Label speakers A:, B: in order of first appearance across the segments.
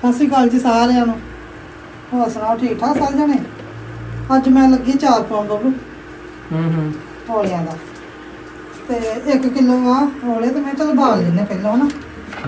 A: ਸਤਿ ਸ਼੍ਰੀ ਅਕਾਲ ਜੀ ਸਾਰਿਆਂ ਨੂੰ। ਹੋਰ ਸੁਣਾਓ, ਠੀਕ ਠਾਕ ਸਾਰੇ ਜਣੇ? ਅੱਜ ਮੈਂ ਲੱਗੀ 4 ਪਾਉਣ ਬੱਬੂ ਔਲਿਆਂ ਦਾ, ਤੇ 1 ਕਿਲੋ ਆ ਔਲੇ, ਤੇ ਮੈਂ ਚਲ ਬਾਲ ਲੈਨੇ ਪਹਿਲਾਂ ਨਾ।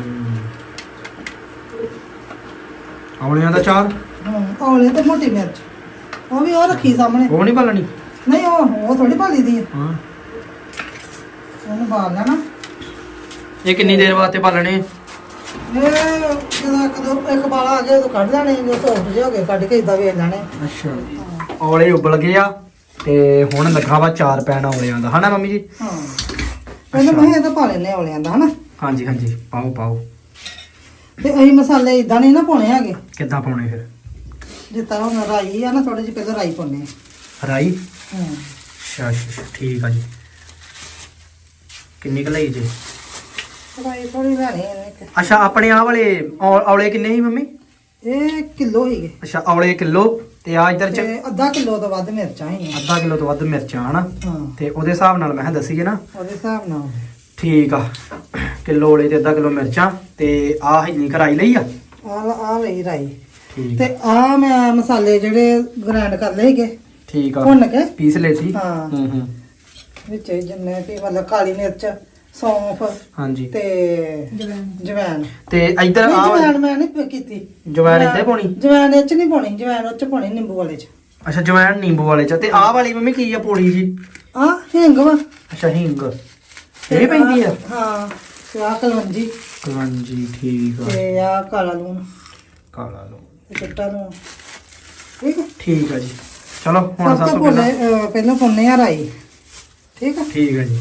B: ਔਲਿਆਂ ਦਾ 4
A: ਔਲੇ ਤੇ ਮੋਟੀ ਮਿਰਚ, ਉਹ ਵੀ ਉਹ ਰੱਖੀ ਸਾਹਮਣੇ।
B: ਉਹ ਨਹੀਂ ਭਾਲਣੀ?
A: ਨਹੀਂ, ਉਹ ਥੋੜੀ ਭਾਲੀ ਦੀ ਆ।
B: ਹਾਂ,
A: ਉਹਨੂੰ ਬਾਲ ਲੈਣਾ।
B: ਇਹ ਕਿੰਨੀ ਦੇਰ ਵਾਸਤੇ ਭਾਲਣੇ?
A: ਇਹ ਜਦੋਂ ਇੱਕ ਬਾਲਾ ਆ ਗਿਆ ਉਦੋਂ ਕੱਢ ਲੈਣੇ, ਜੋ ਸੌਫਟ ਜਿਹੇ ਹੋ ਗਏ ਕੱਢ ਕੇ ਇਦਾਂ ਵੇਚ ਲੈਣੇ।
B: ਅੱਛਾ, ਔਲੇ ਉਬਲ ਗਏ ਆ ਤੇ ਹੁਣ ਲੱਗਾ ਵਾ 4 ਪੈਣ ਔਲਿਆਂ ਦਾ, ਹਨਾ ਮੰਮੀ ਜੀ?
A: ਹਾਂ, ਪਹਿਲਾਂ ਮੈਂ ਇਹ ਤਾਂ ਪਾ ਲੈਨੇ ਔਲਿਆਂ ਦਾ, ਹਨਾ?
B: ਹਾਂਜੀ ਹਾਂਜੀ, ਪਾਓ ਪਾਓ।
A: ਤੇ ਅਸੀਂ ਮਸਾਲੇ ਇਦਾਂ ਨਹੀਂ ਨਾ ਪਾਉਣੇ ਹੈਗੇ।
B: ਕਿੱਦਾਂ ਪਾਉਣੇ ਫਿਰ?
A: ਜਿੱਦਾਂ ਹੁਣ ਰਾਈ ਆ ਨਾ, ਥੋੜੀ ਜਿਹੀ ਪਹਿਲਾਂ ਰਾਈ ਪਾਉਣੇ ਆ।
B: ਰਾਈ?
A: ਹਾਂ,
B: ਅੱਛਾ ਅੱਛਾ, ਠੀਕ ਆ ਜੀ। ਕਿੰਨੀ ਕੁ ਲਈ ਜੀ?
A: ਰਾਈ ਥੋੜੀ ਲੈਣੀ ਇਹਨੇ।
B: ਅੱਛਾ, ਆਪਣੇ ਆਹ ਵਾਲੇ ਔਲੇ ਕਿੰਨੇ ਸੀ ਮੰਮੀ?
A: ਇਹ ਕਿਲੋ ਹੀਗੇ।
B: ਅੱਛਾ, ਔਲੇ ਕਿਲੋ ਤੇ ਆ ਇਧਰ ਚ
A: ਤੇ ਅੱਧਾ ਕਿਲੋ ਤੋਂ ਵੱਧ ਮਿਰਚਾਂ ਹੀ ਆ।
B: ਅੱਧਾ ਕਿਲੋ ਤੋਂ ਵੱਧ ਮਿਰਚਾਂ, ਹਨਾ?
A: ਹਾਂ,
B: ਤੇ ਉਹਦੇ ਹਿਸਾਬ ਨਾਲ ਮੈਂ ਕਿਹਾ ਦੱਸੀਏ ਨਾ।
A: ਉਹਦੇ ਹਿਸਾਬ ਨਾਲ
B: ਠੀਕ ਆ, ਕਿਲੋ ਔਲੇ ਤੇ ਅੱਧਾ ਕਿਲੋ ਮਿਰਚਾਂ ਤੇ ਆ ਇੰਨੀ ਕਰਾਈ ਲਈ ਆ।
A: ਆ ਲਈ ਰਾਈ।
B: ਠੀਕ
A: ਤੇ ਆ ਮੈਂ ਮਸਾਲੇ ਜਿਹੜੇ ਗ੍ਰਾਈਂਡ ਕਰ ਲਏ ਸੀਗੇ,
B: ਠੀਕ ਆ,
A: ਭੁੰਨ ਕੇ
B: ਪੀਸ ਲਏ ਸੀ।
A: ਹਾਂ।
B: ਹੂੰ
A: ਵਿੱਚ ਜਿੰਨੇ ਵੀ ਮਤਲਬ ਕਾਲੀ ਮਿਰਚ, ਸੌਂਫ
B: ਹਾਂਜੀ।
A: ਤੇ ਜਵੈਣ।
B: ਤੇ ਇਧਰ ਆ
A: ਜਵੈਣ ਮੈਂ ਨਹੀਂ ਕੀਤੀ।
B: ਜਵੈਣ ਇੱਥੇ ਪਾਉਣੀ?
A: ਜਵੈਣ ਇਹ ਚ ਨਹੀਂ ਪਾਉਣੀ, ਜਵੈਣ ਉਹ ਚ ਪਾਉਣੀ ਨਿੰਬੂ ਵਾਲੇ ਚ।
B: ਅੱਛਾ, ਜਵੈਣ ਨਿੰਬੂ ਵਾਲੇ ਚ। ਤੇ ਆਹ ਵਾਲੀ ਮੰਮੀ ਕੀ ਆ ਪੌੜੀ ਜੀ?
A: ਆ ਹਿੰਗ ਵਾ।
B: ਅੱਛਾ, ਹਿੰਗ ਇਹ ਪੈਂਦੀ ਆ?
A: ਹਾਂ, ਤੇ ਆ ਕਲਵੰਜੀ
B: ਹਾਂਜੀ, ਠੀਕ ਆ।
A: ਤੇ ਆ ਕਾਲਾ ਲੂਣ
B: ਕਾਲਾ ਲੋ,
A: ਤੇ ਚਿੱਟਾ ਲੂਣ। ਠੀਕ ਹੈ,
B: ਠੀਕ ਆ ਜੀ। ਚਲੋ ਹੁਣ
A: ਸਭ
B: ਸਭ
A: ਤੋਂ
B: ਤੋਂ ਪਹਿਲਾਂ
A: ਪਹਿਲਾਂ ਪਾਉਣੇ ਆ ਰਾਈ। ਠੀਕ ਆ,
B: ਠੀਕ ਆ ਜੀ।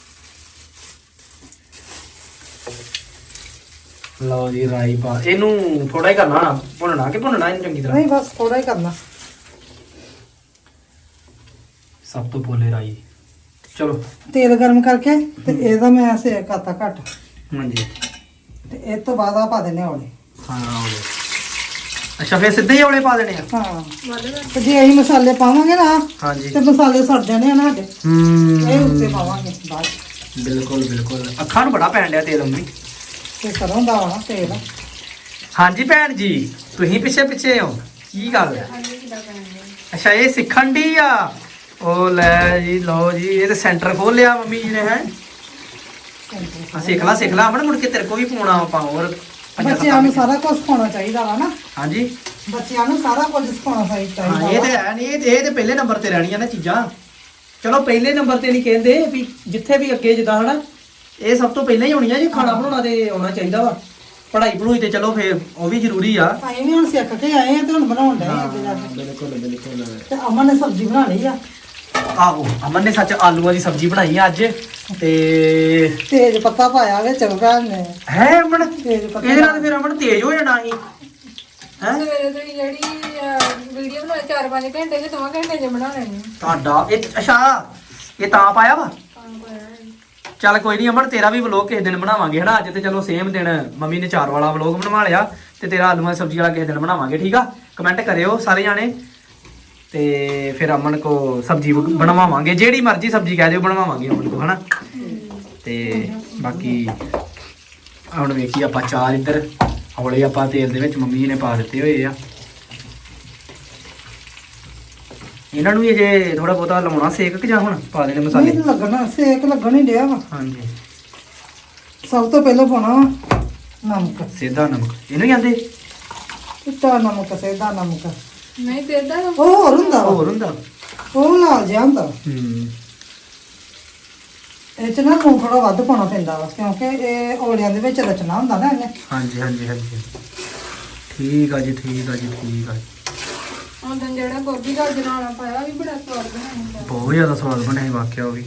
B: ਲਓ ਜੀ, ਰਾਈ ਪਾ। ਇਹਨੂੰ ਥੋੜਾ ਹੀ ਕਰਨਾ ਨਾ, ਭੁੰਨਣਾ ਕਿ ਭੁੰਨਣਾ ਇਹਨੂੰ ਚੰਗੀ ਤਰ੍ਹਾਂ?
A: ਨਹੀਂ ਬਸ ਥੋੜਾ ਹੀ ਕਰਨਾ।
B: ਸਭ ਤੋਂ ਪਹਿਲੇ ਰਾਈ। ਚਲੋ,
A: ਤੇਲ ਗਰਮ ਕਰਕੇ ਤੇ ਇਹਦਾ ਮੈਂ ਸੇਕ ਕਰਤਾ ਘੱਟ,
B: ਹਾਂਜੀ।
A: ਤੇ ਇਹ ਤੋਂ ਬਾਅਦ ਆ ਪਾ ਦੇਣੇ ਔਲੇ।
B: ਹਾਂ, ਔਲੇ। ਅੱਛਾ, ਫਿਰ ਸਿੱਧੇ ਹੀ ਔਲੇ ਪਾ ਦੇਣੇ ਆ?
A: ਹਾਂ, ਤੇ ਜੇ ਅਸੀਂ ਮਸਾਲੇ ਪਾਵਾਂਗੇ ਨਾ
B: ਹਾਂਜੀ।
A: ਤੇ ਮਸਾਲੇ ਸੜ ਜਾਣੇ ਆ ਨਾ ਸਾਡੇ। ਇਹ ਉੱਤੇ
B: ਹੂੰ,
A: ਪਾਵਾਂਗੇ ਬਾਅਦ ਚ।
B: ਬਿਲਕੁਲ ਬਿਲਕੁਲ। ਅੱਖਾਂ ਨੂੰ ਬੜਾ ਪੈਣ ਡਿਆ ਤੇਲ ਮੰਮੀ।
A: ਤੇ ਸਰੋਂ ਦਾ ਵਾ ਤੇਲ।
B: ਹਾਂਜੀ ਭੈਣ ਜੀ, ਤੁਸੀਂ ਪਿੱਛੇ ਪਿੱਛੇ ਹੋ, ਕੀ ਗੱਲ? ਅੱਛਾ, ਇਹ ਸਿੱਖਣ ਦੀ ਆ। ਉਹ ਲੈ ਜੀ, ਲਓ ਜੀ, ਇਹ ਤੇ ਸੈਂਟਰ ਖੋਲ ਲਿਆ ਮੰਮੀ ਜੀ ਨੇ, ਹੈ? ਸਿੱਖ ਲਾ ਅਮਨ, ਮੁੜ ਕੇ ਤੇਰੇ ਕੋ ਵੀ ਪਾਉਣਾ ਆਪਾਂ ਹੋਰ।
A: ਬੱਚਿਆਂ ਨੂੰ ਸਾਰਾ ਕੁਝ ਸਿਖਾਉਣਾ ਚਾਹੀਦਾ ਵਾ ਨਾ।
B: ਹਾਂਜੀ,
A: ਬੱਚਿਆਂ ਨੂੰ ਸਾਰਾ ਕੁਝ ਸਿਖਾਉਣਾ ਚਾਹੀਦਾ
B: ਹਾਂ, ਇਹ ਤੇ ਹੈ ਨਹੀਂ, ਇਹ ਤੇ ਪਹਿਲੇ ਨੰਬਰ ਤੇ ਰਹਿਣੀਆਂ ਨਾ ਚੀਜ਼ਾਂ। ਚਲੋ, ਪਹਿਲੇ ਨੰਬਰ ਤੇ ਨਹੀਂ ਕਹਿੰਦੇ ਵੀ, ਜਿੱਥੇ ਵੀ ਅੱਗੇ ਜਿੱਦਾਂ ਹਨਾ, ਇਹ ਸਭ ਤੋਂ ਪਹਿਲਾਂ ਹੀ ਹੋਣੀਆਂ ਜੀ। ਖਾਣਾ ਬਣਾਉਣਾ ਤੇ ਆਉਣਾ ਚਾਹੀਦਾ ਵਾ। ਪੜ੍ਹਾਈ ਪੜੂਈ ਤੇ ਚਲੋ ਫੇਰ ਉਹ ਵੀ ਜ਼ਰੂਰੀ ਆ।
A: ਅਸੀਂ ਵੀ ਹੁਣ ਸਿੱਖ ਕੇ ਆਏ ਆ ਤੇ ਹੁਣ ਬਣਾਉਣ ਡਏ ਆ ਅੱਗੇ ਜਾ ਕੇ।
B: ਬਿਲਕੁਲ ਬਿਲਕੁਲ।
A: ਤੇ ਅਮਨ ਨੇ ਸਬਜ਼ੀ ਬਣਾ ਲਈ ਆ।
B: ਆਹੋ, ਅਮਨ ਨੇ ਸੱਚ ਆਲੂਆਂ ਦੀ ਸਬਜ਼ੀ ਬਣਾਈ ਆ ਅੱਜ। ਤੇ
A: ਤੇਜ ਪੱਤਾ ਪਾਇਆ ਵਿੱਚ ਭੈਣ ਨੇ।
B: ਹੈ ਅਮਨ,
A: ਤੇਜ ਪੱਤਾ
B: ਇਹਦੇ ਨਾਲ ਫਿਰ ਅਮਨ ਤੇਜ਼ ਹੋ ਜਾਣਾ ਸੀ। ਹੈ
C: ਸਵੇਰੇ ਤੁਸੀਂ ਜਿਹੜੀ ਵੀਡੀਓ ਬਣਾਈ 4-5 ਘੰਟੇ ਚ 2 ਘੰਟੇ ਚ ਬਣਾ ਲੈਣੀ
B: ਤੁਹਾਡਾ ਇਹ, ਅੱਛਾ ਇਹ ਤਾਂ ਪਾਇਆ ਵਾ। ਚੱਲ ਕੋਈ ਨਹੀਂ ਅਮਨ, ਤੇਰਾ ਵੀ ਵਲੋਗ ਕਿਸੇ ਦਿਨ ਬਣਾਵਾਂਗੇ, ਹਨਾ? ਅੱਜ ਤੇ ਚਲੋ ਸੇਮ ਦਿਨ ਮੰਮੀ ਨੇ 4 ਵਾਲਾ ਵਲੋਗ ਬਣਵਾ ਲਿਆ, ਤੇ ਤੇਰਾ ਆਲੂਆਂ ਦੀ ਸਬਜ਼ੀ ਵਾਲਾ ਕਿਸੇ ਦਿਨ ਬਣਾਵਾਂਗੇ। ਠੀਕ ਆ, ਕਮੈਂਟ ਕਰਿਓ ਸਾਰੇ ਜਾਣੇ, ਤੇ ਫਿਰ ਅਮਨ ਕੋ ਸਬਜ਼ੀ ਬਣਵਾਵਾਂਗੇ। ਜਿਹੜੀ ਮਰਜ਼ੀ ਸਬਜ਼ੀ ਕਹਿ ਦਿਓ, ਬਣਵਾਵਾਂਗੇ ਅਮਨ ਕੋ, ਹਨਾ? ਤੇ ਬਾਕੀ ਹੁਣ ਵੇਖੀ ਆਪਾਂ 4 ਇੱਧਰ ਔਲੇ ਆਪਾਂ ਤੇਲ ਦੇ ਵਿੱਚ ਮੰਮੀ ਨੇ ਪਾ ਦਿੱਤੇ ਹੋਏ ਆ। ਇਹਨਾਂ ਨੂੰ ਵੀ ਅਜੇ ਥੋੜਾ ਬਹੁਤਾ ਲਾਉਣਾ ਸੇਕ ਕਿ ਜਾਂ ਹੁਣ ਪਾ ਦੇਣੇ ਮਸਾਲੇ?
A: ਨਹੀਂ ਲੱਗਣਾ, ਸੇਕ ਲੱਗਣ ਹੀ ਡਿਆ ਵਾ।
B: ਹਾਂਜੀ,
A: ਸਭ ਤੋਂ ਪਹਿਲਾਂ ਪਾਉਣਾ ਵਾ ਨਮਕ।
B: ਸਿੱਧਾ ਨਮਕ ਇਹਨੂੰ ਹੀ ਆਂਦੇ?
A: ਚਿੱਟਾ ਨਮਕ, ਸੇਦਾ ਨਮਕ।
C: ਨਹੀਂ ਸਿੱਧਾ
A: ਉਹ ਹੋਰ ਹੁੰਦਾ ਵਾ,
B: ਹੋਰ ਹੁੰਦਾ?
A: ਉਹ ਲਾਲ ਜਿਹਾ ਹੁੰਦਾ।
B: ਹੂੰ,
A: ਇਹ ਚ ਨਾ ਲੂਣ ਥੋੜਾ ਵੱਧ ਪਾਉਣਾ ਪੈਂਦਾ ਵਾ, ਕਿਉਂਕਿ ਇਹ ਔਲਿਆਂ ਦੇ ਵਿੱਚ ਰਚਣਾ ਹੁੰਦਾ ਨਾ ਇਹਨੇ।
B: ਹਾਂਜੀ ਹਾਂਜੀ ਹਾਂਜੀ, ਠੀਕ ਆ ਜੀ, ਠੀਕ ਆ ਜੀ, ਠੀਕ ਆ।
C: ਉਦੋਂ ਜਿਹੜਾ ਗੋਭੀ ਗਾਜਰ ਵਾਲਾ ਪਾਇਆ ਉਹ ਵੀ ਬੜਾ ਸਵਾਦ ਬਣਾਇਆ।
B: ਬਹੁਤ ਜ਼ਿਆਦਾ ਸਵਾਦ ਬਣਿਆ ਸੀ ਵਾਕਿਆ ਉਹ ਵੀ।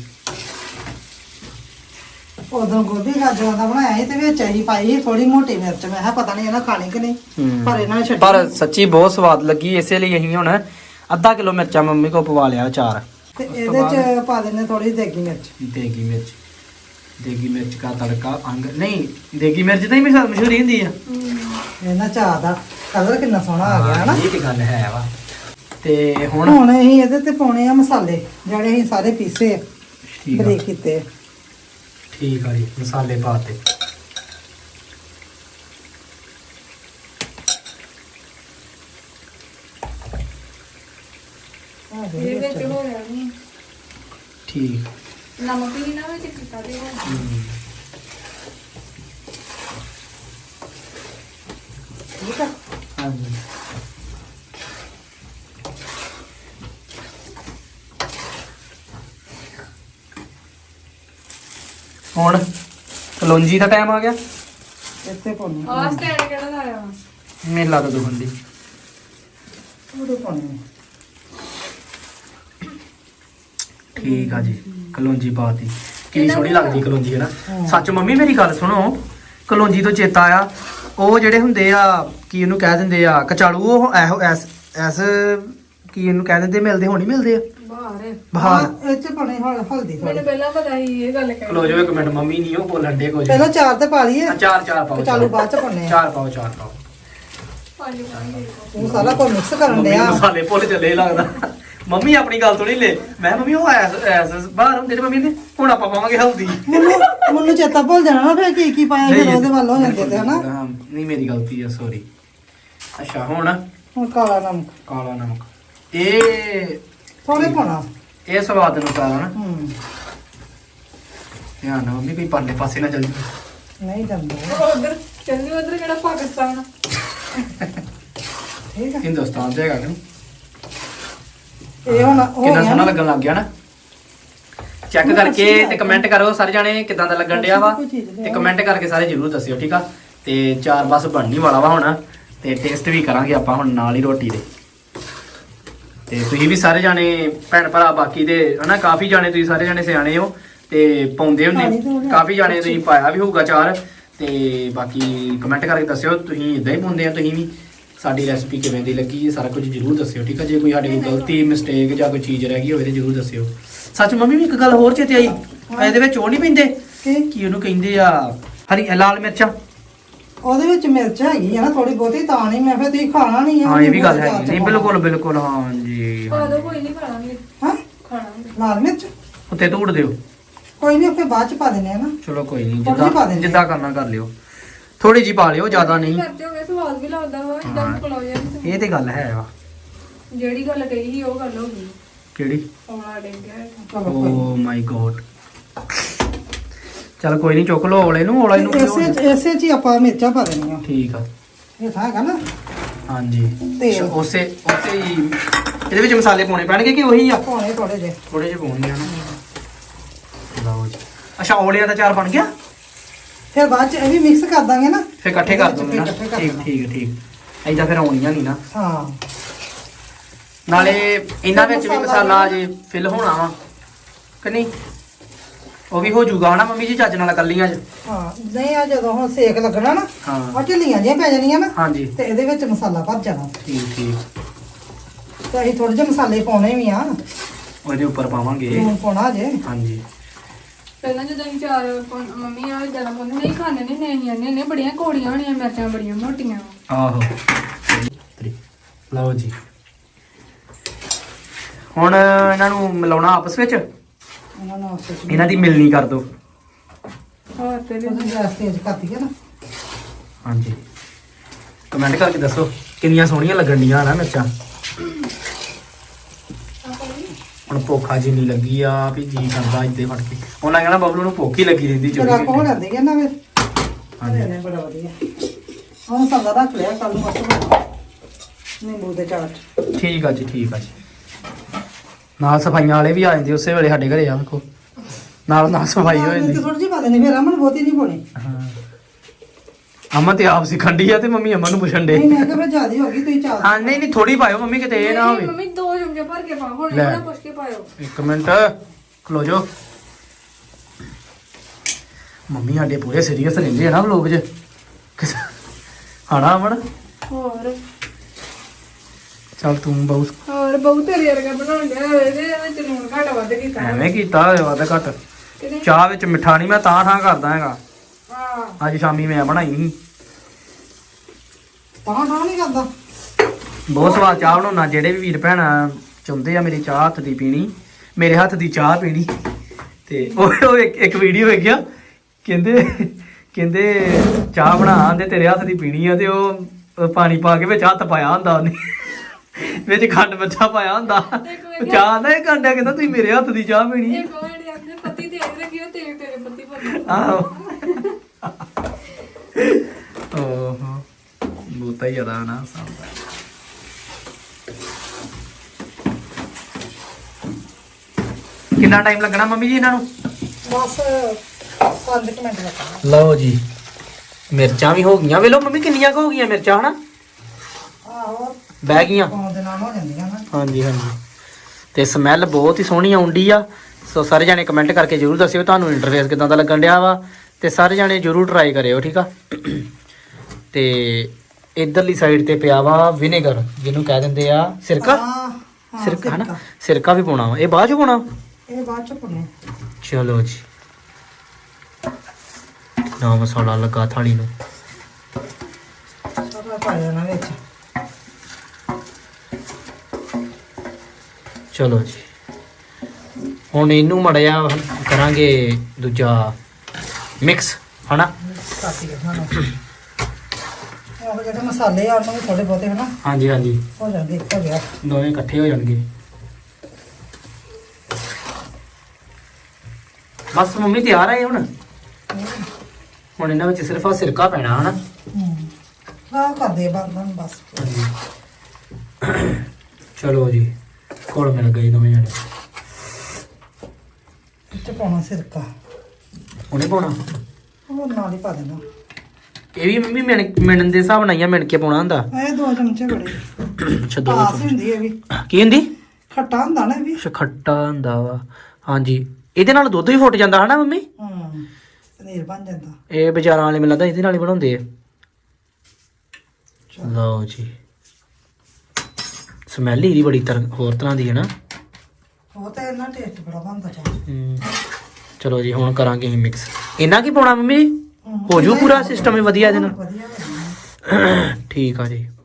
A: ਉਦੋਂ ਗੋਭੀ ਗਾਜਰਾਂ ਦਾ ਬਣਾਇਆ ਸੀ ਤੇ ਵਿੱਚ ਅਸੀਂ ਪਾਈ ਥੋੜੀ ਮੋਟੀ ਮਿਰਚ। ਮੈਂ ਕਿਹਾ ਪਤਾ ਨਹੀਂ ਇਹਨਾਂ ਖਾਣੀ ਕਿ ਨਹੀਂ, ਪਰ ਇਹਨਾਂ ਨੇ ਛੱਡੀ।
B: ਪਰ ਸੱਚੀ ਬਹੁਤ ਸਵਾਦ ਲੱਗੀ, ਇਸੇ ਲਈ ਅਸੀਂ ਹੁਣ ਅੱਧਾ ਕਿਲੋ ਮਿਰਚਾਂ ਮੰਮੀ ਕੋ ਪਵਾ ਲਿਆ 4।
A: ਤੇ ਇਹਦੇ ਚ ਪਾ ਦਿੰਦੇ ਥੋੜੀ ਦੇਗੀ ਮਿਰਚ।
B: ਦੇਗੀ ਮਿਰਚ, ਦੇਗੀ ਮਿਰਚ ਦਾ ਤੜਕਾ ਅੰਗ ਨਹੀਂ, ਦੇਗੀ ਮਿਰਚ ਤਾਂ ਹੀ ਮਸ਼ਹੂਰੀ ਹੁੰਦੀ ਆ।
A: ਇਹਨਾਂ ਚਾਹ ਦਾ ਕਲਰ ਕਿੰਨਾ ਸੋਹਣਾ ਆ ਗਿਆ ਹਨਾ?
B: ਇਹ ਤੇ ਗੱਲ ਹੈ ਵਾ। ਤੇ ਹੁਣ
A: ਅਸੀਂ ਇਹਦੇ ਤੇ ਪਾਉਣੇ ਆ ਮਸਾਲੇ ਜਿਹੜੇ ਅਸੀਂ ਸਾਰੇ ਪੀਸੇ ਆ,
B: ਠੀਕ ਆ,
A: ਬਰੀਕ ਕੀਤੇ ਆ।
B: ਠੀਕ ਆ ਜੀ, ਮਸਾਲੇ ਪਾਤੇ।
C: ਇਹ ਵਿੱਚ ਹੋ ਰਿਹਾ ਨਹੀਂ
B: ਠੀਕ
C: ਨਮਕ ਵੀ ਨਾ ਵਿੱਚ ਕੀਤਾ ਦੇ
A: ਠੀਕ ਆ
B: ਹਾਂਜੀ ਹੁਣ ਕਲੌਂਜੀ ਦਾ ਟਾਈਮ ਆ ਗਿਆ
A: ਇੱਥੇ ਪਾਉਣੀ
C: ਆਹ ਸਟੈਂਡ ਕਿਹੜਾ ਲਾਇਆ ਵਾ
B: ਮੇਲਾ ਤਾਂ ਦੁਖਣ ਦੀ
A: ਉਹਦੇ ਪਾਉਣੀ
B: ਠੀਕ ਆ ਜੀ ਕਲੌਂਜੀ ਪਾਤੀ ਕਿੰਨੀ ਸੋਹਣੀ ਲੱਗਦੀ ਕਲੌਂਜੀ ਹੈ ਨਾ ਸੱਚ ਮੰਮੀ ਮੇਰੀ ਗੱਲ ਸੁਣੋ ਕਲੌਂਜੀ ਤੋਂ ਚੇਤਾ ਆਇਆ ਉਹ ਜਿਹੜੇ ਹੁੰਦੇ ਆ ਕੀ ਉਹਨੂੰ ਕਹਿ ਦਿੰਦੇ ਆ ਕਚਾਲੂ ਉਹ ਇਹੋ ਐਸ ਕੀ ਇਹਨੂੰ ਕਹਿ ਦਿੰਦੇ ਮਿਲਦੇ ਹੋਣੀ ਮਿਲਦੇ ਆ
C: ਬਾਹਰ
B: ਬਾਹਰ
A: ਇਹ ਚ ਪਾਉਣੀ ਹਲਦੀ ਥੋੜੀ
C: ਮੈਨੂੰ ਪਹਿਲਾਂ ਪਤਾ ਸੀ ਇਹ ਗੱਲ ਕਹਿ
B: ਖਲੋ ਜਾਓ ਇੱਕ ਮਿੰਟ ਮੰਮੀ ਨਹੀਂ ਉਹ ਬੋਲਣ ਦੇ ਕੁਝ
A: ਪਹਿਲਾਂ ਚਾਰ ਤੇ ਪਾ ਲਈਏ
B: ਚਾਰ ਪਾਓ
A: ਕਚਾਲੂ ਬਾਅਦ ਚ ਪਾਉਣੇ ਆ
B: ਚਾਰ ਪਾਓ
C: ਪੰਜ ਪਾਣੀ
A: ਉਹ ਸਾਰਾ ਕੁਝ ਮਿਕਸ ਕਰਨ
B: ਮੰਮੀ
A: ਡਿਆ
B: ਮਸਾਲੇ ਭੁੱਲ ਚੱਲੇ ਲੱਗਦਾ ਮੰਮੀ ਆਪਣੀ ਗੱਲ ਤੋਂ ਨਹੀਂ ਲੈ ਮੈਂ ਮੰਮੀ ਉਹ ਐਸ ਬਾਹਰ ਹੁੰਦੇ ਨੇ ਮੰਮੀ ਨੇ ਹੁਣ ਆਪਾਂ ਪਾਵਾਂਗੇ ਹਲਦੀ
A: ਮੈਨੂੰ ਚੇਤਾ ਭੁੱਲ ਜਾਣਾ ਨਾ ਫਿਰ ਕੀ ਪਾਇਆ ਫਿਰ ਉਹਦੇ ਵੱਲ ਹੋ ਜਾਂਦੇ ਤੇ ਹਨਾ
B: ਹਾਂ, ਨਹੀਂ ਮੇਰੀ ਗਲਤੀ ਆ ਸੌਰੀ ਅੱਛਾ ਹੁਣ
A: ਹੁਣ ਕਾਲਾ ਨਮਕ
B: ਕਾਲਾ ਨਮਕ ਇਹ
A: ਥੋੜੇ ਪਾਉਣਾ
B: ਇਹ ਸਵਾਦ ਅਨੁਸਾਰ ਹੈ ਨਾ
A: ਹੂੰ
B: ਧਿਆਨ ਨਾਲ ਮੰਮੀ ਕੋਈ ਪਰਲੇ ਪਾਸੇ ਨਾ ਚੱਲ ਜਾਵੇ
A: ਨਹੀਂ ਜਾਂਦਾ
C: ਉਧਰ ਚੱਲਣੀ ਉਧਰ ਕਿਹੜਾ ਪਾਕਿਸਤਾਨ
A: ਠੀਕ ਆ
B: ਹਿੰਦੁਸਤਾਨ ਤੇ ਹੈਗਾ ਕਿ
A: ਇਹ ਹੁਣ ਹੋ
B: ਕਿੰਨਾ
A: ਗਿਆ
B: ਸੋਹਣਾ
A: ਨਾ।
B: ਲੱਗਣ ਲੱਗ ਗਿਆ ਨਾ ਚੈੱਕ ਕਰਕੇ ਤੇ ਕਮੈਂਟ ਕਰੋ ਸਾਰੇ ਜਾਣੇ ਕਿਦਾਂ ਦਾ ਲੱਗਣ ਡਿਆ ਵਾ ਤੇ ਕਮੈਂਟ ਕਰਕੇ ਸਾਰੇ ਜਰੂਰ ਦੱਸਿਓ ਠੀਕ ਆ ਤੇ ਚਾਰ ਬਸ ਬਣਨੀ ਵਾਲਾ ਵਾ ਹੁਣ ਤੇ ਟੇਸਟ ਵੀ ਕਰਾਂਗੇ ਆਪਾਂ ਹੁਣ ਨਾਲ ਹੀ ਰੋਟੀ ਦੇ ਤੇ ਤੁਸੀਂ ਵੀ ਸਾਰੇ ਜਾਣੇ ਭੈਣ ਭਰਾ ਬਾਕੀ ਦੇ ਹਨਾ ਕਾਫੀ ਜਾਣੇ ਤੁਸੀਂ ਸਾਰੇ ਜਾਣੇ ਸਿਆਣੇ ਹੋ ਤੇ ਪਾਉਂਦੇ ਹੁੰਦੇ ਕਾਫੀ ਜਾਣੇ ਤੁਸੀਂ ਪਾਇਆ ਵੀ ਹੋਊਗਾ ਚਾਰ ਤੇ ਬਾਕੀ ਕਮੈਂਟ ਕਰਕੇ ਦੱਸਿਓ ਤੁਸੀਂ ਇਦਾਂ ਹੀ ਪਾਉਂਦੇ ਆ ਤੁਸੀਂ ਵੀ ਸਾਡੀ ਰੈਸਪੀ ਕਿਵੇਂ ਦੀ ਲੱਗੀ ਇਹ ਸਾਰਾ ਕੁਝ ਜਰੂਰ ਦੱਸਿਓ ਠੀਕ ਆ ਜੇ ਕੋਈ ਸਾਡੇ ਕੋਲ ਗਲਤੀ ਮਿਸਟੇਕ ਜਾਂ ਕੋਈ ਚੀਜ਼ ਰਹਿ ਗਈ ਹੋਵੇ ਤੇ ਜਰੂਰ ਦੱਸਿਓ ਸੱਚ ਮੰਮੀ ਵੀ ਇੱਕ ਗੱਲ ਹੋਰ ਚੇਤੇ ਆਈ ਇਹਦੇ ਵਿੱਚ ਉਹ ਨਹੀਂ ਪੈਂਦੇ ਕੀ ਉਹਨੂੰ ਕਹਿੰਦੇ ਆ ਹਰੀ ਲਾਲ ਮਿਰਚਾਂ
A: ਉਹਦੇ ਵਿੱਚ ਮਿਰਚ ਹੈਗੀ ਆ ਨਾ ਥੋੜੀ ਬਹੁਤੀ ਤਾਂ ਨਹੀਂ ਮੈਂ ਫਿਰ ਤੁਸੀਂ ਖਾਣਾ ਨਹੀਂ ਆ
B: ਹਾਂ ਇਹ ਵੀ ਗੱਲ ਹੈ ਨਹੀਂ ਬਿਲਕੁਲ ਹਾਂ ਜੀ
C: ਪਾ ਦੋ ਕੋਈ ਨਹੀਂ ਖਾਣਾਂਗੇ
A: ਹਾਂ
C: ਖਾਣਾਂਗੇ
A: ਲਾਲ ਮਿਰਚ
B: ਉੱਤੇ ਧੂੜ ਦਿਓ
A: ਕੋਈ ਨਹੀਂ ਫਿਰ ਬਾਅਦ ਚ ਪਾ ਦਿੰਦੇ ਆ ਨਾ
B: ਚਲੋ ਕੋਈ ਨਹੀਂ
A: ਥੋੜ੍ਹੀ ਜਿਹੀ ਪਾ
B: ਜਿੱਦਾਂ
A: ਦਿੰਦੇ
B: ਜਿੱਦਾਂ ਕਰਨਾ ਕਰ ਲਿਓ ਥੋੜੀ ਜੀ ਪਾ ਲਿਓ ਜ਼ਿਆਦਾ ਨਹੀਂ
C: ਕਰਦੇ ਹੋਗੇ ਸਵਾਦ ਵੀ ਲੱਗਦਾ ਵਾ ਇਦਾਂ ਖਲਾਓ ਜਾਂਦੇ
B: ਇਹ ਤੇ ਗੱਲ ਹੈ ਵਾ
C: ਜਿਹੜੀ ਗੱਲ ਕਹੀ ਸੀ ਉਹ ਗੱਲ ਹੋ ਗਈ
B: ਕਿਹੜੀ
C: ਔਲਾ ਡਿੱਗ ਗਿਆ
A: ਚਲੋ ਕੋਈ
B: ਓ ਮਾਈ ਗੋਡ ਚਲ ਕੋਈ ਨਹੀਂ ਚੁੱਕ ਲਓ ਔਲੇ ਨੂੰ ਔਲਾ ਇਹਨੂੰ ਕਿਉਂ
A: ਇਸੇ ਚ ਹੀ ਆਪਾਂ ਮਿਰਚਾਂ ਪਾ ਦੇਣੀਆਂ
B: ਠੀਕ ਆ
A: ਇਹ ਤਾਂ ਹੈਗਾ ਨਾ
B: ਹਾਂਜੀ
A: ਤੇਲ।
B: ਉਸੇ ਹੀ ਇਹਦੇ ਵਿੱਚ ਮਸਾਲੇ ਪਾਉਣੇ ਪੈਣਗੇ ਕਿ ਉਹੀ ਆ
A: ਪਾਉਣੇ ਥੋੜੇ ਜਿਹੇ
B: ਥੋੜੇ ਜਿਹੇ ਪਾਉਣੇ ਆ ਨਾ ਲਓ ਜੀ ਅੱਛਾ ਔਲਿਆਂ ਦਾ ਚਾਰ ਬਣ ਗਿਆ
A: ਫਿਰ ਬਾਅਦ ਚ ਇਹ ਵੀ ਮਿਕਸ ਕਰ ਦਾਂਗੇ ਨਾ
B: ਫਿਰ ਇਕੱਠੇ ਕਰ ਦੋਗੇ ਨਾ
A: ਇਕੱਠੇ ਕਰ
B: ਠੀਕ ਐਦਾਂ ਫਿਰ ਆਉਣੀਆਂ ਨਹੀਂ ਨਾ
A: ਹਾਂ
B: ਨਾਲੇ ਇਹਨਾਂ ਵਿੱਚ ਵੀ ਮਸਾਲਾ ਜੇ ਫਿਲ ਹੋਣਾ ਵਾ ਕਿ ਨਹੀਂ ਉਹ ਵੀ ਹੋ ਜਾਊਗਾ ਹਨਾ ਮੰਮੀ ਜੀ ਚੱਜ ਨਾਲ ਕੱਲੀਆਂ ਚ
A: ਹਾਂ ਨਹੀਂ ਆ ਜਦੋਂ ਹੁਣ ਸੇਕ ਲੱਗਣਾ ਨਾ
B: ਹਾਂ
A: ਉਹ ਢਿੱਲੀਆਂ ਜਿਹੀਆਂ ਪੈ ਜਾਣੀਆਂ ਨਾ
B: ਹਾਂਜੀ
A: ਤੇ ਇਹਦੇ ਵਿੱਚ ਮਸਾਲਾ ਭਰ ਜਾਣਾ
B: ਠੀਕ
A: ਤੇ ਅਸੀਂ ਥੋੜੇ ਜਿਹੇ ਮਸਾਲੇ ਪਾਉਣੇ ਵੀ ਆ
B: ਉਹਦੇ ਉੱਪਰ ਪਾਵਾਂਗੇ
A: ਲੂਣ ਪਾਉਣਾ ਜੇ
B: ਹਾਂਜੀ
C: ਪਹਿਲਾਂ ਜਦੋਂ ਅਸੀਂ ਚਾਰ ਮੰਮੀ ਆ ਜਿਆਦਾ ਪਾਉਂਦੇ ਨਹੀਂ ਖਾਣੇ ਨਹੀਂ ਆਨੇ ਨੇ ਬੜੀਆਂ ਕੋੜੀਆਂ ਹੋਣੀਆਂ ਮਿਰਚਾਂ ਬੜੀਆਂ ਮੋਟੀਆਂ
B: ਆਹੋ ਲਓ ਜੀ ਹੁਣ ਇਹਨਾਂ ਨੂੰ ਮਿਲਾਉਣਾ ਆਪਸ ਵਿੱਚ
A: ਇਹਨਾਂ ਨੂੰ ਆਪਸ ਵਿੱਚ
B: ਇਹਨਾਂ ਦੀ ਮਿਲਣੀ ਕਰ ਦਿਓ
C: ਹੋਰ ਤੇ
A: ਉਹਦੀ ਗੈਸ ਤੇਜ਼ ਕਰਤੀ ਹੈ ਨਾ
B: ਹਾਂਜੀ ਕਮੈਂਟ ਕਰਕੇ ਦੱਸੋ ਕਿੰਨੀਆਂ ਸੋਹਣੀਆਂ ਲੱਗਣ ਡੀਆਂ ਨਾ ਮਿਰਚਾਂ ਹੁਣ ਭੁੱਖਾ ਜਿੰਨੀ ਲੱਗੀ ਆ ਵੀ ਜੀ ਕਰਦਾ ਇੱਦੇ ਫੜ ਕੇ ਉਹਨਾਂ ਕਹਿਣਾ ਬਬਲੂ ਨੂੰ ਭੁੱਖ ਹੀ ਲੱਗੀ ਰਹਿੰਦੀ
A: ਜਰਾ ਕੋ
B: ਚੋਰੀ
A: ਲੈਂਦੇ ਕਿ ਨਾ ਫਿਰ
B: ਹਾਂਜੀ
A: ਨੇ ਬੜਾ ਵਧੀਆ ਹੁਣ ਮਸਾਲਾ ਰੱਖ ਲਿਆ ਕੱਲ ਨੂੰ ਨਿੰਬੂ ਦੇ ਚਾਟ
B: ਠੀਕ ਆ ਜੀ ਨਾਲ ਸਫਾਈਆਂ ਵਾਲੇ ਵੀ ਆ ਜਾਂਦੇ ਉਸੇ ਵੇਲੇ ਸਾਡੇ ਘਰੇ ਆ ਵੇਖੋ ਨਾਲ ਸਫਾਈ ਹੋ ਜਾਂਦੀ
A: ਥੋੜੀ ਜਿਹੀ ਪਾ ਦੇਣੀ ਫਿਰ ਅਮਨ ਬਹੁਤੀ ਨਹੀਂ ਪਾਉਣੀ
B: ਹਾਂ ਅਮਨ ਤੇ ਆਪ ਸਿਖੰਡੀ ਆ ਤੇ ਮੰਮੀ ਅਮਨ ਨੂੰ ਪੁੱਛਣ ਦੇ
A: ਨਹੀਂ ਮੈਂ ਕਿਹਾ ਫਿਰ ਜ਼ਿਆਦਾ ਹੋ ਗਈ ਤੁਸੀਂ ਚਾਟ
B: ਹਾਂ ਨਹੀਂ ਥੋੜੀ ਪਾਇਓ ਮੰਮੀ ਕਿਤੇ ਇਹ ਨਾ ਹੋਵੇ
C: ਮੰਮੀ 2 ਚਮਚੇ ਭਰ ਕੇ ਪਾ ਹੁਣ
B: ਲੈ।
C: ਇਹਨਾਂ ਪੁੱਛ ਕੇ ਪਾਇਓ
B: ਇੱਕ ਮਿੰਟ ਖਲੋ ਜੋ ਮੰਮੀ ਸਾਡੇ ਪੂਰੇ ਸੀਰੀਅਸ ਰਹਿੰਦੇ ਆ ਨਾ ਵਲੋਗ 'ਚ ਹਣਾ ਅਮਨ
C: ਹੋਰ
B: ਚੱਲ ਤੂੰ ਬਹੁਤ
C: ਬਹੁਤ ਤੇਰੇ ਵਰਗਾ ਬਣਾਉਣ ਡਿਆ ਇਹਦੇ ਵਿੱਚ ਲੂਣ ਘੱਟ ਵੱਧ ਕੀਤਾ
B: ਐਵੇਂ ਕੀਤਾ ਹੋਇਆ ਵੱਧ ਘੱਟ
C: ਕਿਤੇ
B: ਚਾਹ ਵਿੱਚ ਮਿੱਠਾ ਨਹੀਂ ਮੈਂ ਤਾਂ ਠਾਂ ਕਰਦਾ ਹੈਗਾ
C: ਹਾਂ
B: ਅੱਜ ਸ਼ਾਮੀ ਮੈਂ ਬਣਾਈ ਸੀ
A: ਤਾਂ ਨਹੀਂ ਕਰਦਾ
B: ਬਹੁਤ ਸਵਾਦ ਚਾਹ ਬਣਾਉਣਾ ਜਿਹੜੇ ਵੀ ਵੀਰ ਭੈਣ ਚਾਹੁੰਦੇ ਆ ਮੇਰੀ ਚਾਹ ਹੱਥ ਦੀ ਪੀਣੀ ਮੇਰੇ ਹੱਥ ਦੀ ਚਾਹ ਪੀਣੀ ਤੇ ਉਹ ਇੱਕ ਵੀਡੀਓ ਵੇਖਿਆ ਕਹਿੰਦੇ ਚਾਹ ਬਣਾ ਤੇ ਤੇਰੇ ਹੱਥ ਦੀ ਪੀਣੀ ਆ ਤੇ ਉਹ ਪਾਣੀ ਪਾ ਕੇ ਵਿੱਚ ਹੱਥ ਪਾਇਆ ਹੁੰਦਾ ਉਹਨੇ ਵਿੱਚ ਖੰਡ ਮਿੱਠਾ ਪਾਇਆ ਹੁੰਦਾ
C: ਮੈਂ
B: ਚਾਹ ਨਾ ਇਹ ਕਾਂਡਿਆ ਕਹਿੰਦਾ ਤੁਸੀਂ ਮੇਰੇ ਹੱਥ ਦੀ ਚਾਹ ਪੀਣੀ ਹੈ।
C: ਇੱਕ ਵਾਰ ਆਪਣੇ ਪਤੀ ਤੇਰੇ ਰੱਖਿਓ ਤੇਰੇ ਪਤੀ ਬਣ
B: ਆਹੋ ਓਹੋ ਬਹੁਤਾ ਹੀ ਜ਼ਿਆਦਾ ਨਾ ਸਾਂਭਾ। ਕਿੰਨਾ ਟਾਈਮ ਲੱਗਣਾ ਮੰਮੀ ਜੀ ਇਹਨਾਂ ਨੂੰ?
A: ਬਸ 5 ਮਿੰਟ ਲੱਗਣਾ।
B: ਲਓ ਜੀ ਮਿਰਚਾਂ ਵੀ ਹੋ ਗਈਆਂ, ਵੇਲੋ ਮੰਮੀ ਕਿੰਨੀਆਂ ਕੁ ਹੋ ਗਈਆਂ ਮਿਰਚਾਂ ਹਨਾ,
A: ਆਹੋ
B: ਬਹਿ ਗਈਆਂ।
A: ਪਾਉਣ ਦੇ ਨਾਲ ਹੋ ਜਾਂਦੀਆਂ ਨਾ।
B: ਹਾਂਜੀ ਹਾਂਜੀ ਤੇ ਸਮੈਲ ਬਹੁਤ ਹੀ ਸੋਹਣੀ ਆਉਂਦੀ ਆ। ਸੋ ਸਾਰੇ ਜਾਣੇ ਕਮੈਂਟ ਕਰਕੇ ਜਰੂਰ ਦੱਸਿਓ ਤੁਹਾਨੂੰ ਇੰਟਰਫੇਸ ਕਿਦਾਂ ਦਾ ਲੱਗਣ ਡਿਆ ਵਾ, ਤੇ ਸਾਰੇ ਜਾਣੇ ਜਰੂਰ ਟਰਾਈ ਕਰਿਓ ਠੀਕ ਆ। ਤੇ ਇਧਰਲੀ ਸਾਈਡ ਤੇ ਪਿਆ ਵਾ ਵਿਨੇਗਰ, ਜਿਹਨੂੰ ਕਹਿ ਦਿੰਦੇ ਆ ਸਿਰਕਾ।
A: ਹਾਂ
B: ਸਿਰਕਾ ਹਨਾ, ਸਿਰਕਾ ਵੀ ਪਾਉਣਾ ਵਾ, ਇਹ ਬਾਅਦ ਚ ਪਾਉਣਾ।
A: ਇਹ ਬਾਅਦ ਚ ਪਾਉਣੇ।
B: ਚਲੋ ਜੀ ਨਾ ਮਸਾਲਾ ਲੱਗਾ ਥਾਲੀ ਨੂੰ।
A: ਸਾਰਾ ਪਾ ਦੇਣਾ ਵਿੱਚ।
B: ਚਲੋ ਜੀ ਹੁਣ ਇਹਨੂੰ ਮੜਿਆ ਕਰਾਂਗੇ ਦੂਜਾ ਮਿਕਸ ਹਨਾ।
A: ਕਾਟੀ ਕੇ ਖਾਣਾ। ਉਹ ਜਿਹੜੇ ਮਸਾਲੇ ਆ ਉਹਨਾਂ ਵੀ ਥੋੜੇ ਬਹੁਤੇ ਹਨਾ
B: ਹਾਂਜੀ ਹਾਂਜੀ
A: ਹੋ ਜਾਂਦੇ ਇੱਕ ਹੋ ਗਿਆ।
B: ਦੋਵੇਂ ਇਕੱਠੇ ਹੋ ਜਾਣਗੇ। ਬਸ ਮੰਮੀ ਤਿਆਰ ਆ ਇਹ ਹੁਣ ਇਹਨਾਂ ਵਿੱਚ ਸਿਰਫ ਆ ਸਿਰਕਾ ਪੈਣਾ ਹਨਾ।
A: ਆਹ ਕਰਦੇ ਬੰਦ ਬਸ।
B: ਚਲੋ ਜੀ ਕੋਲ ਮਿਲ ਗਏ ਦੋਵੇਂ ਜਣੇ।
A: ਇੱਥੇ ਪਾਉਣਾ ਸਿਰਕਾ,
B: ਉਹਨੇ ਪਾਉਣਾ,
A: ਉਹ ਨਾਲ ਹੀ ਪਾ ਦੇਣਾ।
B: ਇਹ ਵੀ ਮੰਮੀ ਮਿਣਨ ਦੇ ਹਿਸਾਬ ਨਾਲ ਹੀ ਆ, ਮਿਣ ਕੇ ਪਾਉਣਾ ਹੁੰਦਾ।
A: ਇਹ 2 ਚਮਚੇ ਬੜੇ
B: ਅੱਛਾ ਦੋ
A: ਪਾਸ ਹੁੰਦੀ ਹੈ ਵੀ।
B: ਕੀ ਹੁੰਦੀ?
A: ਖੱਟਾ ਹੁੰਦਾ ਨਾ ਇਹ ਵੀ।
B: ਅੱਛਾ ਖੱਟਾ ਹੁੰਦਾ ਵਾ। ਹਾਂਜੀ ਇਹਦੇ ਨਾਲ ਦੁੱਧ ਵੀ ਫੁੱਟ ਜਾਂਦਾ ਹਨਾ ਮੰਮੀ।
A: ਪਨੀਰ ਬਣ ਜਾਂਦਾ।
B: ਇਹ ਬਾਜ਼ਾਰਾਂ ਵਾਲੇ ਮੈਨੂੰ ਲੱਗਦਾ ਇਹਦੇ ਨਾਲ ਹੀ ਬਣਾਉਂਦੇ ਆ। ਲਓ ਜੀ ਸਮੈਲ ਹੀ ਇਹਦੀ ਬੜੀ ਹੋਰ ਤਰ੍ਹਾਂ ਦੀ ਹੈ ਨਾ।
A: ਉਹ ਤਾਂ ਇਹਨਾਂ ਟੇਸਟ ਬੜਾ ਬਣਦਾ ਚਾਹ।
B: ਚਲੋ ਜੀ ਹੁਣ ਕਰਾਂਗੇ ਅਸੀਂ ਮਿਕਸ। ਇਹਨਾਂ ਕੀ ਪਾਉਣਾ ਮੰਮੀ ਜੀ? ਹੋ ਜੂ ਪੂਰਾ ਸਿਸਟਮ ਹੀ ਵਧੀਆ ਇਹਦੇ ਨਾਲ?
A: ਵਧੀਆ।
B: ਠੀਕ ਆ ਜੀ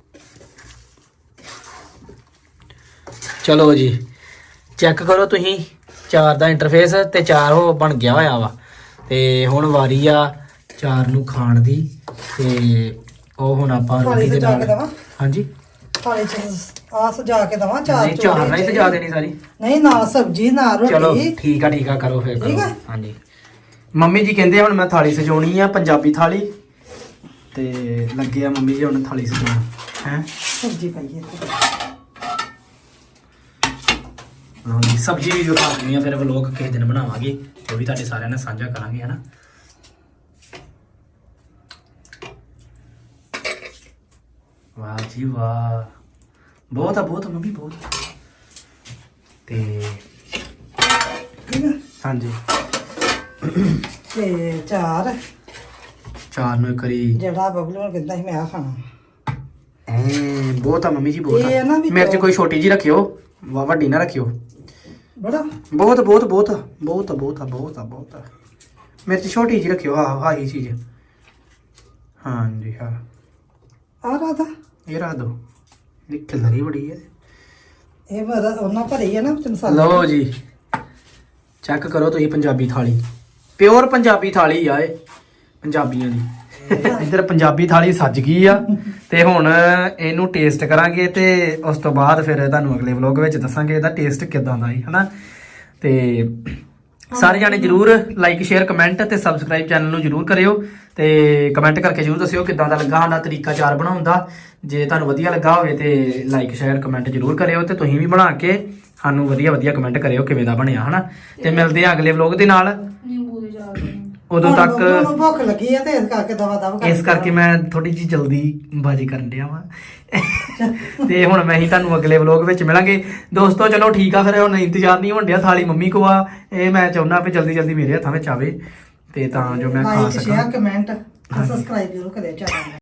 B: ਚਲੋ ਜੀ ਚੈੱਕ ਕਰੋ ਤੁਸੀਂ ਚਾਰ ਦਾ ਇੰਟਰਫੇਸ, ਤੇ ਚਾਰ ਉਹ ਬਣ ਗਿਆ ਹੋਇਆ ਵਾ। ਤੇ ਹੁਣ ਵਾਰੀ ਆ ਚਾਰ ਨੂੰ ਖਾਣ ਦੀ, ਤੇ ਉਹ ਹੁਣ ਆਪਾਂ ਰੋਟੀ ਦੇ ਨਾਲ। ਹਾਂਜੀ
A: ਥਾਲੀ ਚ ਆ ਸਜਾ ਕੇ ਦਵਾਂ ਚਾਰ।
B: ਨਹੀਂ ਚਾਰ ਨਾਲ ਹੀ ਸਜਾ ਦੇਣੀ ਸਾਰੀ।
A: ਨਹੀਂ ਨਾਲ ਸਬਜ਼ੀ ਨਾਲ ਰੋਟੀ।
B: ਚਲੋ ਠੀਕ ਆ ਕਰੋ ਫਿਰ
A: ਠੀਕ
B: ਕਰੋ।
A: ਆ।
B: ਹਾਂਜੀ ਮੰਮੀ ਜੀ ਕਹਿੰਦੇ ਹੁਣ ਮੈਂ ਥਾਲੀ ਸਜਾਉਣੀ ਆ, ਪੰਜਾਬੀ ਥਾਲੀ, ਤੇ ਲੱਗੇ ਆ ਮੰਮੀ ਜੀ ਹੁਣ ਥਾਲੀ ਸਜਾਉਣ ਹੈ।
A: ਸਬਜ਼ੀ ਪਾਈਏ
B: ਹਾਂਜੀ ਸਬਜ਼ੀ ਵੀ ਦਿਖਾ ਦਿੰਦੀ ਆ, ਫਿਰ ਵਲੋਗ ਕਿਸੇ ਦਿਨ ਬਣਾਵਾਂਗੇ, ਉਹ ਵੀ ਤੁਹਾਡੇ ਸਾਰਿਆਂ ਨਾਲ ਸਾਂਝਾ ਕਰਾਂਗੇ ਹਨਾ। ਵਾਹ ਜੀ ਵਾਹ ਬਹੁਤ ਆ ਮੰਮੀ ਬਹੁਤ। ਤੇ
A: ਠੀਕ ਆ।
B: ਹਾਂਜੀ
A: ਤੇ ਚਾਰ
B: ਨੂੰ ਇੱਕ ਵਾਰੀ
A: ਜਿਹੜਾ ਬਬਲੂ ਨੂੰ ਕਹਿੰਦਾ ਸੀ ਮੈਂ ਆ ਖਾਣਾ।
B: ਬਹੁਤ ਆ ਮੰਮੀ ਜੀ ਬਹੁਤ
A: ਇਹ
B: ਆ।
A: ਨਾ ਵੀ
B: ਮਿਰਚ ਕੋਈ ਛੋਟੀ ਜੀ ਰੱਖਿਓ, ਵੱਡੀ ਨਾ ਰੱਖਿਓ।
A: ਬੜਾ ਬਹੁਤ ਮਿਰਚ ਛੋਟੀ ਜੀ ਰੱਖਿਓ। ਆਹੀ ਚੀਜ਼। ਹਾਂਜੀ ਹਾਂ ਆ ਰਾਦਾ
B: ਇਹ ਰੱਖ ਦੋ, ਇਹ ਖਿਲਰੀ ਬੜੀ ਹੈ।
A: ਇਹ ਮੇਰਾ ਉਹਨਾਂ ਭਰੀ ਹੈ ਨਾ ਵਿੱਚ ਮਸਾਲਾ।
B: ਲਓ ਜੀ ਚੈੱਕ ਕਰੋ ਤੁਸੀਂ ਪੰਜਾਬੀ ਥਾਲੀ, ਪਿਓਰ ਪੰਜਾਬੀ ਥਾਲੀ ਆ ਇਹ ਪੰਜਾਬੀਆਂ ਦੀ। ਇੱਧਰ ਪੰਜਾਬੀ ਥਾਲੀ ਸੱਜ ਗਈ ਆ, ਤੇ ਹੁਣ ਇਹਨੂੰ ਟੇਸਟ ਕਰਾਂਗੇ, ਤੇ ਉਸ ਤੋਂ ਬਾਅਦ ਫਿਰ ਤੁਹਾਨੂੰ ਅਗਲੇ ਵਲੋਗ ਵਿੱਚ ਦੱਸਾਂਗੇ ਇਹਦਾ ਟੇਸਟ ਕਿਦਾਂ ਦਾ ਹੈ ਹਨਾ। ਤੇ ਸਾਰੇ ਜਾਣੇ ਜਰੂਰ ਲਾਈਕ ਸ਼ੇਅਰ ਕਮੈਂਟ ਤੇ ਸਬਸਕ੍ਰਾਈਬ ਚੈਨਲ ਨੂੰ ਜਰੂਰ ਕਰਿਓ, ਤੇ ਕਮੈਂਟ ਕਰਕੇ ਜਰੂਰ ਦੱਸਿਓ ਕਿਦਾਂ ਦਾ ਲੱਗਾ ਸਾਡਾ ਤਰੀਕਾ ਚਾਰ ਬਣਾਉਣ ਦਾ। ਜੇ ਤੁਹਾਨੂੰ ਵਧੀਆ ਲੱਗਾ ਹੋਵੇ ਤੇ ਲਾਈਕ ਸ਼ੇਅਰ ਕਮੈਂਟ ਜਰੂਰ ਕਰਿਓ, ਤੇ ਤੁਸੀਂ ਵੀ ਬਣਾ ਕੇ ਸਾਨੂੰ ਵਧੀਆ ਕਮੈਂਟ ਕਰਿਓ ਕਿਵੇਂ ਦਾ ਬਣਿਆ ਹਨਾ। ਤੇ ਮਿਲਦੇ ਆ ਅਗਲੇ ਵਲੋਗ ਦੇ ਨਾਲ।
C: ਨਿੰਬੂ ਦੇ ਚਾਰ ਦੇ।
B: ਉਦੋਂ ਤੱਕ
A: ਮੈਨੂੰ ਭੁੱਖ ਲੱਗੀ ਹੈ ਤੇ ਇਸ ਕਰਕੇ ਦਵਾ
B: ਇਸ ਕਰਕੇ ਮੈਂ ਥੋੜੀ ਜਿਹੀ ਜਲਦੀ ਬਾਜੀ ਕਰਨ ਡਿਆ ਵਾਂ। ਤੇ ਹੁਣ ਮੈਂ ਹੀ ਤੁਹਾਨੂੰ ਅਗਲੇ ਵਲੋਗ ਵਿੱਚ ਮਿਲਾਂਗੇ ਦੋਸਤੋ। ਚਲੋ ਠੀਕ ਆ ਫਿਰ, ਹੁਣ ਇੰਤਜ਼ਾਰ ਨਹੀਂ ਹੋਣ ਡਿਆ, ਥਾਲੀ ਮੰਮੀ ਕੋ ਆ। ਇਹ ਮੈਂ ਚਾਹੁੰਦਾ ਵੀ ਜਲਦੀ ਮੇਰੇ ਹੱਥਾਂ ਵਿੱਚ ਆਵੇ, ਤੇ ਤਾਂ ਜੋ ਮੈਂ ਖਾ
A: ਲਾਈਕ
B: ਸਕਾਂ।
A: ਸ਼ੇਅਰ ਕਮੈਂਟ ਸਬਸਕ੍ਰਾਈਬ ਜ਼ਰੂਰ ਕਰਿਓ ਚੈਨਲ ਨੂੰ।